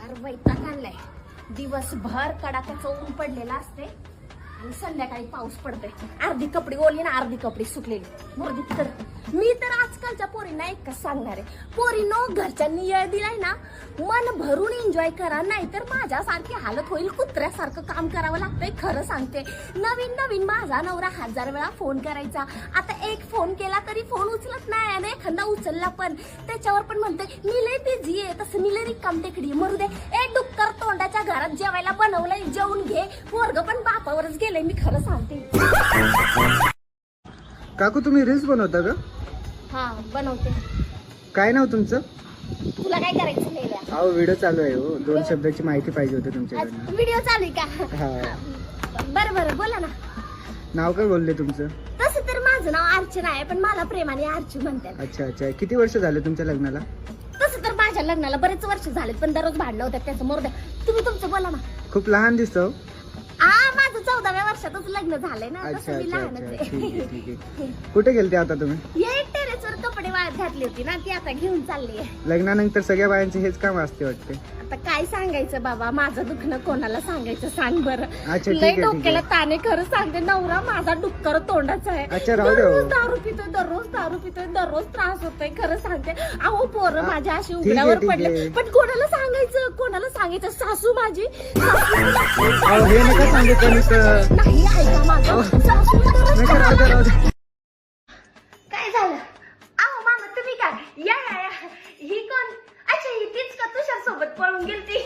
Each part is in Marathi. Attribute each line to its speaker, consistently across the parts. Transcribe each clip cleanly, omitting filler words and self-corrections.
Speaker 1: फार वैताग आणलाय. दिवसभर कडाक्याचं ऊन पडलेलं असते आणि संध्याकाळी पाऊस पडतोय. अर्धी कपडे ओली ना अर्धी कपडे सुकलेली. मोरदी तर मी तर आजकालच्या पोरींना एकच सांगणार आहे, पोरींनो घरच्यांनी येळ दिलाय ना मन भरून एन्जॉय करा, नाहीतर माझ्यासारखी हालत होईल. कुत्र्यासारखं काम करावं लागतंय. खरं सांगते, नवीन नवीन माझा नवरा 1000 वेळा फोन करायचा. आता एक फोन केला तरी फोन उचलत नाही आणि एखादा उचलला पण त्याच्यावर पण म्हणते मी लय बिझी आहे. तसं मी लय रिकाम टेकडी. मरू दे. ए डुक्कर तोंडाच्या घरात जेवायला बनवलंय, जेवून घे. पोरग पण बापावरच गेलंय. मी खरं सांगते.
Speaker 2: काकू तुम्ही रील्स बनवता का?
Speaker 1: हा बनवते.
Speaker 2: काय नाव तुमचं?
Speaker 1: तुला काय करायचं मेल्या?
Speaker 2: अहो व्हिडिओ चालू आहे हो, 2 शब्दाची माहिती पाहिजे होती तुमच्याकडनं.
Speaker 1: व्हिडिओ चालू आहे का?
Speaker 2: हा.
Speaker 1: बरं बरं बोला ना.
Speaker 2: नाव काय बोलले तुमचं?
Speaker 1: तसं तर माझं नाव अर्चना आहे, पण मला प्रेमाने अर्चू म्हणतात.
Speaker 2: अच्छा अच्छा. किती वर्ष झाले तुमच्या लग्नाला?
Speaker 1: तसं तर माझ्या लग्नाला बरेच वर्ष झालेत, पण दररोज भांडणं होतात. त्याचं मोरद्या तुम्ही तुमचं बोला ना.
Speaker 2: खूप लहान दिसतो.
Speaker 1: माझं 14व्या वर्षातच लग्न झालंय ना.
Speaker 2: अच्छा
Speaker 1: तसं मी
Speaker 2: अच्छा
Speaker 1: लहानच
Speaker 2: अच्छा. ठीक
Speaker 1: आहे.
Speaker 2: आहे ठीक आहे. कुठे गेलते आता तुम्ही?
Speaker 1: ये टेरेसवर कपडे वाळत घातली होती ना, ती आता घेऊन चालली आहे.
Speaker 2: लग्नानंतर सगळ्या बायांचे हेच काम असते वाटते.
Speaker 1: आता काय सांगायचं बाबा, माझं दुखणं कोणाला सांगायचं सांग बरं.
Speaker 2: अच्छा, ठीक
Speaker 1: लय
Speaker 2: आहे, ठीक
Speaker 1: डोक्याला
Speaker 2: आहे.
Speaker 1: ताने. खरं सांगते, नवरा माझा डुक्कर तोंडाचा आहे.
Speaker 2: अच्छा, राहू दे हो.
Speaker 1: दररोज दारू पितोय, दररोज दारू पितोय, दररोज त्रास होतोय. खरं सांगते, अहो पोरं माझ्या अशी
Speaker 2: ठीक आहे,
Speaker 1: उघड्यावर
Speaker 2: ठीक
Speaker 1: पडले,
Speaker 2: आहे.
Speaker 1: पण कोणाला सांगायचं? कोणाला सांगायचं? सासू माझी
Speaker 2: अहो हे नका सांगितलं नुसतं.
Speaker 1: नाही ऐका माझं. सासू दररोज
Speaker 2: नका, राहू दे, राहू दे.
Speaker 1: काय झालं? अहो मामा तुम्ही काय? या या या. ही कोण? अच्छा ही तीच का तुषार सोबत पळून गेलती?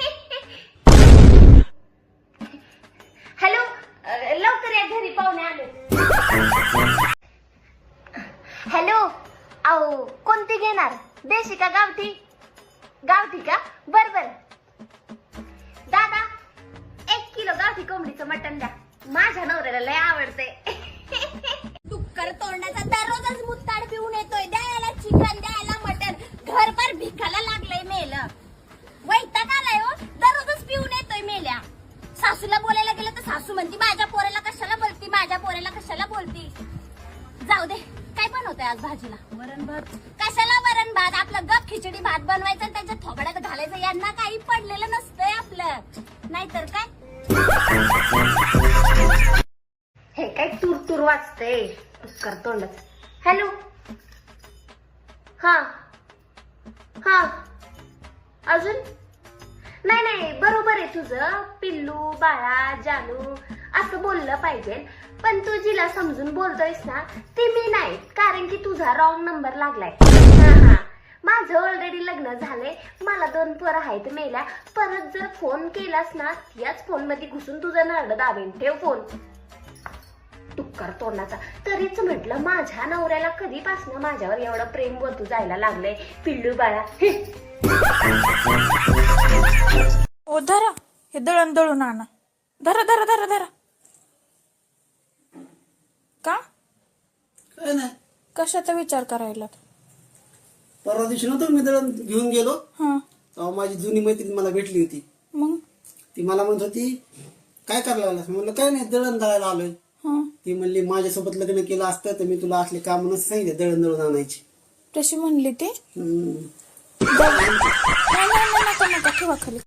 Speaker 1: हॅलो, लवकर या, घरी पाहुणे आले. हॅलो, अहो कोणती घेणार? देशी का गावठी? गावठी का? बर बर. दादा 1 किलो गावठी कोंबडीचं मटण द्या. माझ्या नवऱ्याला लय आवडते. डुक्कर तोंडाचा दररोजच मुत्ताड पिऊन येतोय. द्यायला चिकन, द्यायला मटण. घरभर भिकाला लागलंय मेलं. वैताग आलाय हो. दररोजच पिऊन येतोय मेल्या. सासूला बोलायला गेलं तर सासू म्हणती माझ्या पोराला कशाला बोलती, माझ्या पोराला कशाला बोलती. जाऊ दे. काय बनवतोय आज भाजीला? वरण भात. कशाला वरण भात? आपलं गप खिचडी भात बनवायचं, त्याच्या थोबड्यात घालायचं. यांना काही पडलेलं नसतंय आपलं, नाहीतर काय. हे काय तूर तूर वाचते कर तोंडच. हॅलो, हा हा. अजून नाही नाही, बरोबर आहे तुझं. पिल्लू, बाळा, जानू असं बोललं पाहिजे, पण तू जिला समजून बोलतोयस ना ते मी नाही, कारण की तुझा रॉंग नंबर लागलाय. हा हा. माझं ऑलरेडी लग्न झालंय. मला 2 पोरं आहेत मेल्या. परत जर फोन केलास ना याच फोन मध्ये घुसून तुझं नरड दाबेन. ठेव फोन. टुक्कर तोंडाचा. तरीच म्हटलं माझ्या नवऱ्याला कधीपासून माझ्यावर एवढं प्रेम वतू जायला लागलंय. पिल्लू बाळा.
Speaker 3: ओ धरा, हे दळण दळून आणा. धरा धरा धरा धरा. का?
Speaker 4: काय नाही,
Speaker 3: कशाचा विचार करायला?
Speaker 4: परवा दिवशी नव्हतं मी दळण घेऊन गेलो,
Speaker 3: हा
Speaker 4: तेव्हा माझी जुनी मैत्रीण मला भेटली होती.
Speaker 3: मग?
Speaker 4: ती मला म्हणत होती काय करायला लागलास? म्हणलं काय नाही, दळण दळायला आलोय.
Speaker 3: हा.
Speaker 4: ती म्हणली माझ्यासोबत लग्न केलं असतं तर मी तुला असले काम नसतं सांगितलं दळण दळून आणायची.
Speaker 3: तशी म्हणली ती?
Speaker 4: हम्म.
Speaker 3: नाही नाही, नका नका, ठेवा खाली.